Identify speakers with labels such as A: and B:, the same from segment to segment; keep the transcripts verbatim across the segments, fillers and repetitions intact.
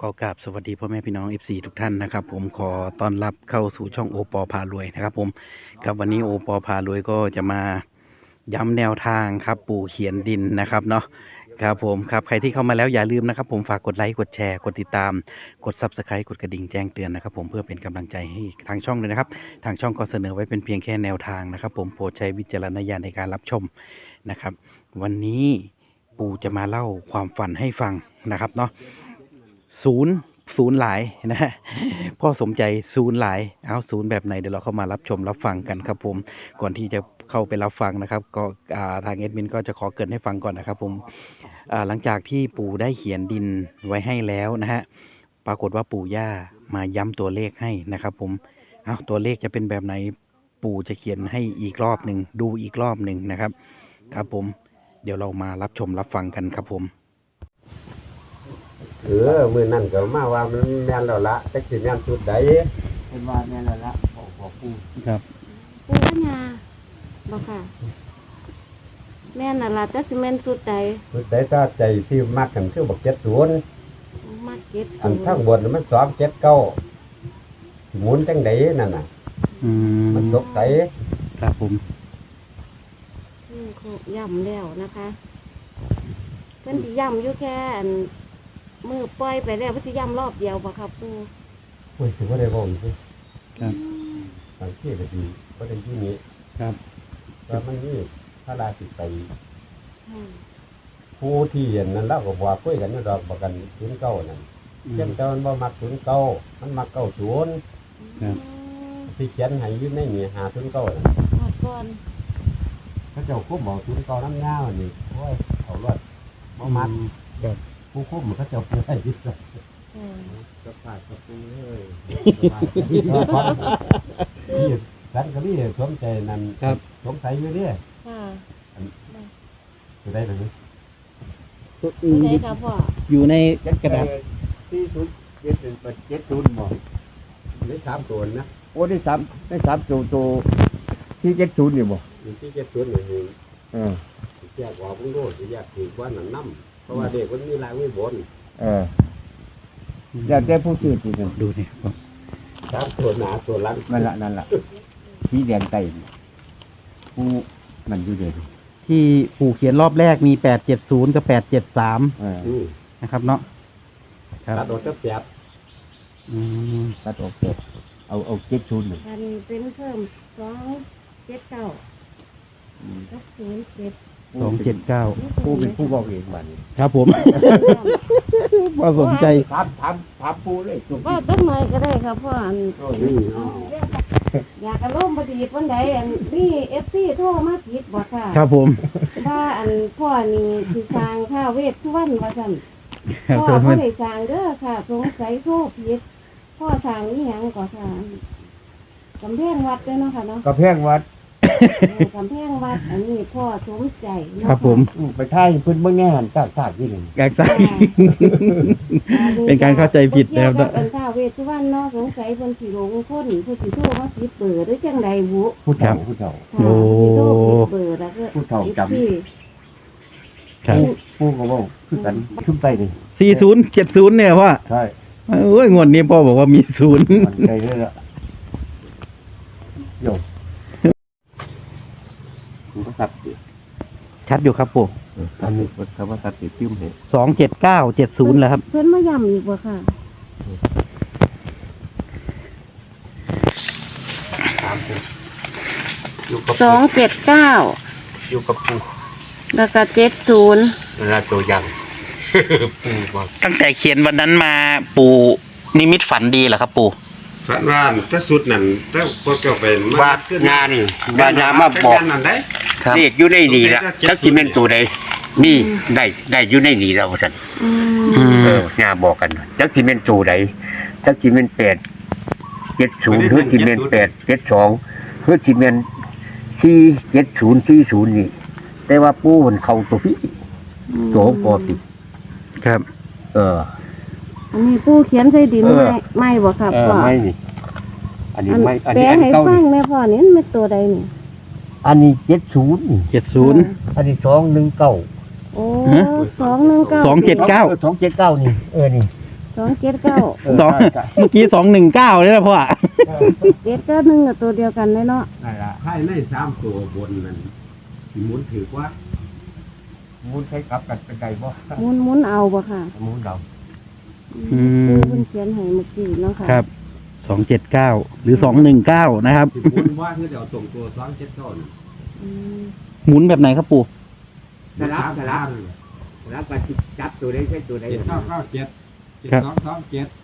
A: ขอกราบสวัสดีพ่อแม่พี่น้อง เอฟ ซี ทุกท่านนะครับผมขอต้อนรับเข้าสู่ช่องโอปอพารวยนะครับผมครับวันนี้โอปอพารวยก็จะมาย้ำแนวทางครับปู่เขียนดินนะครับเนาะครับผมครับใครที่เข้ามาแล้วอย่าลืมนะครับผมฝากกดไลค์กดแชร์กดติดตามกด ซับสไครบ์ กดกระดิ่งแจ้งเตือนนะครับผมเพื่อเป็นกำลังใจให้ทางช่องเลยนะครับทางช่องก็เสนอไว้เป็นเพียงแค่แนวทางนะครับผมโปรดใช้วิจารณญาณในการรับชมนะครับวันนี้ปู่จะมาเล่าความฝันให้ฟังนะครับเนาะศูนย์ศูนย์หลายนะฮะพ่อสมใจศูนย์หลายเอาศูนย์แบบไหนเดี๋ยวเราเข้ามารับชมรับฟังกันครับผมก่อนที่จะเข้าไปรับฟังนะครับก็ทางเอดมินก็จะขอเกริ่นให้ฟังก่อนนะครับผมหลังจากที่ปู่ได้เขียนดินไว้ให้แล้วนะฮะปรากฏว่าปู่ย่ามาย้ำตัวเลขให้นะครับผมเอาตัวเลขจะเป็นแบบไหนปู่จะเขียนให้อีกรอบหนึ่งดูอีกรอบหนึ่งนะครับครับผมเดี๋ยวเรามารับชมรับฟังกันครับผม
B: เออมือนั่นก็มาว่ามันแม่นแล้วละจักสิแม่นสุดใด
C: เป็นว่าแม่นแล้วละบอกบอกปู่
A: ครับ
D: ปูปัญญาบอกค่ะ แม่น่ะล่ะจักสิแม่นสุดใด
B: สุดใดถ้าใจที่มักกันคือบักเจ็ดศูนย์
D: มาเก็ต
B: อันทั้งบนมันสองเจ็ดเก้าหมุนจังไดนั่นน่ะ
A: อืม
B: มันตกใส
A: ครับผม
D: อืมครบย่ำแล้วนะคะเพิ่นสิย่ำอยู่แค่อันมือปล่อยไปแล้วเพิ่นสิย่ำรอบเดียวบ่ครับปู
B: โอ้ยถือว่าได้บ่มสิ
A: ครับ
B: บางที่ก็ดีบ่ได้ที่นี้
A: ครับ
B: ว่ามันนี่พระราชิไป
D: อืม
B: ผู้ที่เห็นนั่นเราก็บอกคุยกันอยู่ดอกบอกกันศูนย์เก้านั่นเจ้าเจ้ามันบ่มักศูนย์เก้ามันมักเก้าศูนย์
A: ครับ
B: ที่เขียนให้อยู่ในนี่หาศูนย์เก้านั่น
D: หอดก่อน
B: เขาเจ้าคุ้มบอกศูนย์เก้าน้ำยาวนี่โอ้ยเอารอดบ่มัก
A: ครับ
B: ผู้คุ้มเขาเจ้าผู้ให้ที่สุด
D: เออ
B: สบายกับปูเลยนี่ฉันก็นี่สวมใจนั่น
A: ครับ
B: สงสัยอยู่เนี่ย
D: ค่ะ
B: จะได้ไหม
A: ตัว
D: ผู้ใดค่ะพ่อ
A: อยู่ในกระดาษ
C: ที่ศูนย์เจ็ดศูนย์เจ็ดศูนย์บอก
B: ได้สามตัวนะ
C: โอ้ได้สามได้สามตัวตัวที่เจ็ดศูนย์นี่บอก
B: อยู่ที่เจ็ดตัวหนึ่ง
C: เออ
B: แยกออกพุ่งโลดแยกถือว่าหนังน้ำเพราะว่าเด็กคนนี้ลายไม่บน
C: เอออยากได้ผู้ชื่อที่นั่น
A: ดูนี่ครับ
B: สามตัวหนาตัวลัง
C: นั่นละนั่นละที่แดงไก่ผู้มันอยู่เดียว
A: ที่ปู่เขียนรอบแรกมีแปดเจ็ดศูนย์กับแปดเจ็ดสาม
C: เออ
B: อืม
A: นะครับเนาะครับ
B: ตัดออกจะแปด
A: อืม
C: ตัดออกเจ็ดเอาเอาเจ็ดศูนย์หนึ่ง
D: กันเป็นเพิ่มสองเจ็ดเก้าก็ศูนย์เจ็ด
A: สองเจ็ดเก้า
C: ผู้เป็นผู้บอกเองบัดนี้
A: ครับผม พอสนใจ
C: ถามถามถามผู้เลยถูก
D: ก็ตั้งหน่อยก็ได้ครับพ่ออัน
B: อืม
D: อยากกระล่มพอดีวันใดอันนี่เอฟซีโทรมาผิดบ่ค่ะ
A: ครับผม
D: ว่าอันพ่อนี่คือสร้างข้าวเวทสุวรรณว่าซั่น
A: ครับ
D: พ่อ
A: ผม
D: บ่ได้สร้างเด้อค่ะสงสัยโทรผิดพ่อสร้างอีหยังก็ค่ะกำแพงวัดเด้อเนาะค่ะเนาะ
C: กระแพงวัด
D: เออกำแพงวัดอันนี้พ่อสมใจเนาะ
A: ครับผม
C: อืมไปท่ายเพิ่นเบิ่งแง่หันตากตากที่หนึ่ง
A: แกกซ้าย เป็นการเข้าใจผิดนะครับ
D: เกี่ยวกับอันข้าวเวทสุวรรณเนาะสงสัยเพิ่นสิหลงคนเพิ่นสิโทรมาผิดเบอร์หรือจังใดบุ
C: ผู้เฒ่าผู้เฒ่า
D: ค่ะ
A: โอ้
D: เพิ่นสิโทรผิดเบอร์แล้วก็
C: ผู้เฒ่าจำ
D: ที่
A: ครับ
C: ผู้ก็บอกคือกันขึ้นไปเลย
A: สี่ศูนย์เจ็ดศูนย์เนี่ยพ่อ
C: ใช่
A: โอ้ยงวดนี้พ่อบอกว่ามีศูนย์
C: มันใจเลยละโยมมันก็สับดิ
A: ชัดอยู่ครับปู่
C: อันนี้คำว่าสับดิจิ้มเหตุ
A: สองเจ็ดเก้าเจ็ดศูนย์แล้วครับ
D: เพิ่นมาย้ำอีกบ่ค่ะ
B: อยู่กับ
D: สองเจ็ดเก้า
B: อยู่กับปู
D: แล้วก็เจ็ดศูนย์
B: เวลาตัวยัง ปูบอก
A: ตั้งแต่เขียนวันนั้นมาปู่นิมิตฝันดีเหรอครับปู่
B: พระว่านถ้าสุดนั่นถ้าพวกเจ้าเป็น
E: ว่า
B: ขึ้น
E: งานนี่ว่างานมาบอก
B: นั่นได้
A: ครับ
E: เรียกอยู่ในนี่ละจักสิแม่นตัวใดนี่ได้ได้อยู่ในนี่แล้วซั่น
D: อืม
A: อืม
E: เอองานบอกกันจักสิแม่นตัวใดจักสิแม่นแปด เจ็ดศูนย์หรือสิแม่นแปด เจ็ดสองหรือสิแม่นสี่เจ็ดศูนย์สี่ศูนย์นี่แต่ว่าปู่มันเข้าตัวพี่ตัวปกติ
A: ครับ
E: เออ
D: อันนี้ปูเขียนใส่ดิน
E: เออ
D: ไม่ไม่บ่ครับ
E: เออ
D: พ่อ
E: ไม่นี่อันนี้
D: อัน
E: ไม่อัน
D: แปล
E: นี้อัน
D: ให้
E: เก่า
D: ฟั
E: นี่
D: งแม่พ่อนี่มันเป็นตัวใดนี่
E: อันนี้เจ็ดศูนย์นี่
A: เจ็ดศูนย์
E: อันนี้สองหนึ่งเก้า
D: โอ้
A: ฮะ
D: สองหนึ่งเก้า
A: สองเจ็ดเก้า
E: สองเจ็ดเก้านี่เออนี่
D: สองเจ็ดเก้า
A: สอง เมื่อกี้สองหนึ่งเก้าเลยนะพ่อ
D: เจ็ดเก้าหนึ่งกับตัวเดียวกันเลยเนาะ
C: นั่นล่ะ
B: ให้ในสามตัวบนนั่นสิหมุนถือว่า
C: หมุนใช้กลับกันเป็นไดบ่
D: หมุนหมุนเอาบ่ค่ะ
C: หมุนเรา
A: อืม
D: คือเพิ่นเขียนให้เมื่อกี้เนาะค่ะ
A: ครับสองเจ็ดเก้าหรือสองหนึ่งเก้านะครับ
B: สิหมุนว่าคือเดี๋ยวส่งตัวสองเจ็ดเก้านั่น
D: อืม
A: หมุนแบบไหนครับปู่
C: สลับสลับสลับกันจับตัวใดใช้ตัวใด
B: เจ็ดเก้าเก้าเจ็ดเจ็ดสองสองเจ็ด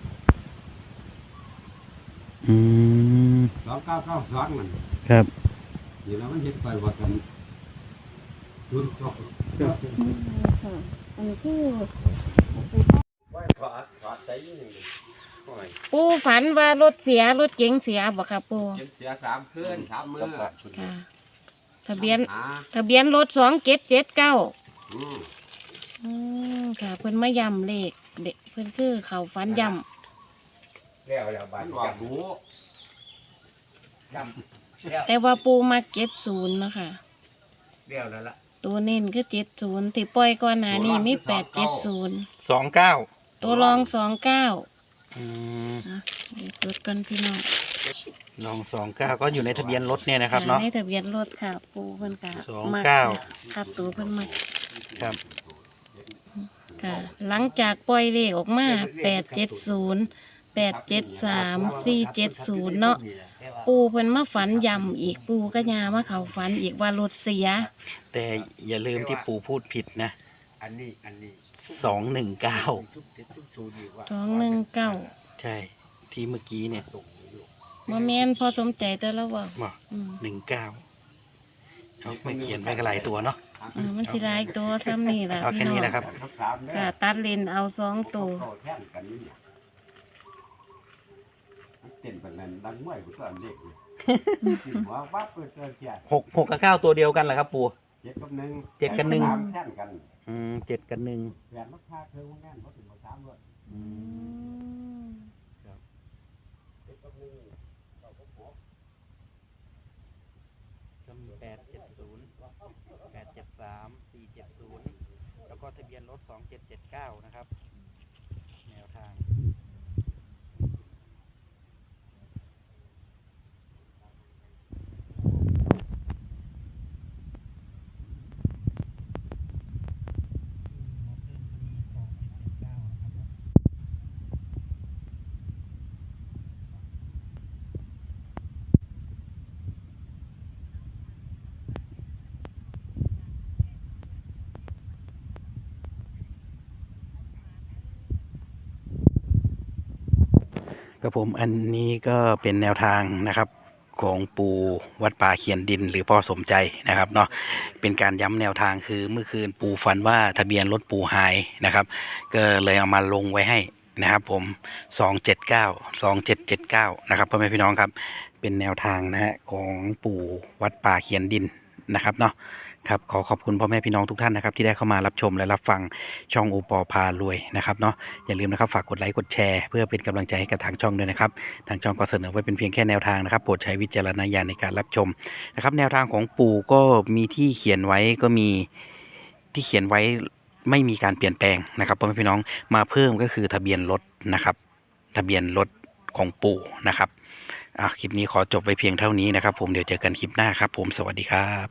A: อืม
B: สองเก้าเก้าสองมัน
A: ครับ
B: นี่เรามันเห็นไปว่ากันทุนก็
D: ค่ะอันนี้คือ
B: ไว้ถอดถอดใจยิ่งโอ้ย
D: ปูฝันว่ารถเสียรถเก๋งเสียบ่ค่ะปู
B: เจ็บเสียสามคืนสามมือ
D: ค่ะ ทะเบียน
B: หา
D: ทะเบียนรถสองเจ็ดเจ็ดเก้า
B: อืม
D: อืมค่ะ เพิ่นมาย้ำเลขเด็กเพิ่นคือเขาฝันย้
C: แล้วแล้วบา
B: มั
C: ด
B: นออกหู
C: จำแล้ว
D: ำแต่ว่าปูมาเจ็ดศูนย์เนาะค่ะ
C: แล้วแล้วล่ะ
D: ตัวเน้นคือเจ็ดศูนย์ที่ปล่อยก่อนหน้านี้มีแปดเจ็ดศูนย์
A: สองเก้า
D: ตัวรองสองเก้า
A: อืม
D: เดี๋ยวจดกันพี่น้อง
A: ลองสองเก้าก็อยู่ในทะเบียนรถเนี่ยนะครับเนาะ
D: ในทะเบียนรถค่ะ ปูเพิ่นกะ
A: สองเก้า
D: ครับตัวเพิ่นมา
A: ครับ
D: ค่ะ หลังจากปล่อยเลขออกมาแปดเจ็ดศูนย์แปดเจ็ดสามสี่เจ็ดศูนย์เนาะปูเพิ่นมาฝันย้ำอีกปูก็ยามาเขาฝันอีกว่ารถเสีย
A: แต่อย่าลืมที่ปู่พูดผิดนะ
C: อันนี้อันนี้
A: สองหนึ่งเก้า
C: ทุกเจ็ดทุกศูนย์นี่ว่า
D: สองหนึ่งเก้า
A: ใช่ ที่เมื่อกี้เนี่ย
D: มาแมนพอสมใจแต่ละว่า
A: บอก
D: อืม
A: หนึ่งเก้าเขาไม่เขียนไปกันหลายตัวเนาะ
D: อ่ามันสิร้ายตัวซ้ำนี่แหละ
A: เอาแค่
D: พี่น้
A: นี้
D: อง
A: แหละครับ
D: ค่ะตัดเลนเอาสองตัว
B: แท่นกันนี่เนี่ยมันเต้นแบบนั้นดังมวยกูก็อันเล็กเลยว่าว่าเปิดเจอเสีย
A: หกหกกับเก้าตัวเดียวกันเหรอครับปู่
B: เจ็ดกับหนึ่ง
A: เจ็ดกับหนึ่ง
B: สามแท่นกัน
A: อืมเจ็ดกับหนึ่ง
B: แปดมักค่าเธอว่าแน่นเพราะถึงมาสามเลย
A: อืม
B: เจ็ดกับหนึ่งเราก็พบ
A: ก็มีแปดเจ็ดศูนย์แปดเจ็ดสามสี่เจ็ดศูนย์แล้วก็ทะเบียนรถสองเจ็ดเจ็ดเก้านะครับ แนวทาง ครับผมอันนี้ก็เป็นแนวทางนะครับของปู่วัดป่าเขียนดินหรือพ่อสมใจนะครับเนาะเป็นการย้ำแนวทางคือเมื่อคืนปู่ฝันว่าทะเบียนรถปู่หายนะครับ ก็เลยเอามาลงไว้ให้นะครับผมสองเจ็ดเก้าสองเจ็ดเจ็ดเก้านะครับพ่อแม่พี่น้องครับเป็นแนวทางนะฮะของปู่วัดป่าเขียนดินนะครับเนาะครับขอขอบคุณพ่อแม่พี่น้องทุกท่านนะครับที่ได้เข้ามารับชมและรับฟังช่องโอปอพารวยนะครับเนาะอย่าลืมนะครับฝากกดไลค์กดแชร์เพื่อเป็นกำลังใจให้กับทางช่องด้วยนะครับทางช่องก็เสนอไว้เป็นเพียงแค่แนวทางนะครับโปรดใช้วิจารณญาณในการรับชมนะครับแนวทางของปู่ก็มีที่เขียนไว้ก็มีที่เขียนไว้ไม่มีการเปลี่ยนแปลงนะครับพ่อแม่พี่น้องมาเพิ่มก็คือทะเบียนรถนะครับทะเบียนรถของปู่นะครับอ่ะคลิปนี้ขอจบไว้เพียงเท่านี้นะครับผมเดี๋ยวเจอกันคลิปหน้าครับผมสวัสดีครับ